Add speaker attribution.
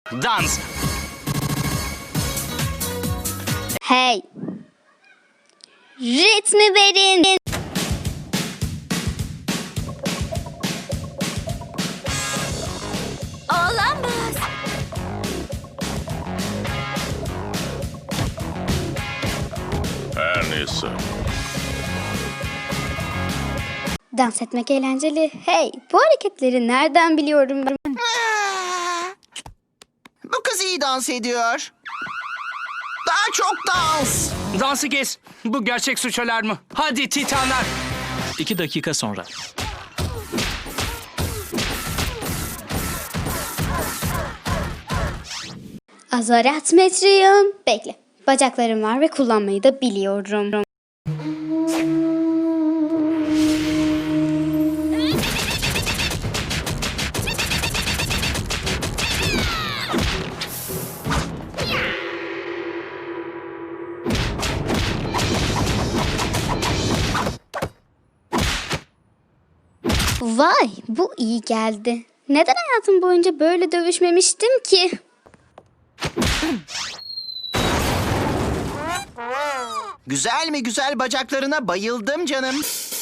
Speaker 1: Dans.
Speaker 2: Hey! Ritmi verin.
Speaker 3: Olamaz.
Speaker 4: Her neyse.
Speaker 2: Dans etmek eğlenceli. Hey, bu hareketleri nereden biliyorum ben?
Speaker 5: Bu kız iyi dans ediyor. Daha çok dans.
Speaker 1: Dansı kes. Bu gerçek suç alarmı. Hadi Titanlar.
Speaker 6: 2 dakika sonra.
Speaker 2: Azaret metriyim. Bekle. Bacaklarım var ve kullanmayı da biliyorum. Vay, bu iyi geldi. Neden hayatım boyunca böyle dövüşmemiştim ki?
Speaker 5: Güzel mi güzel bacaklarına bayıldım canım.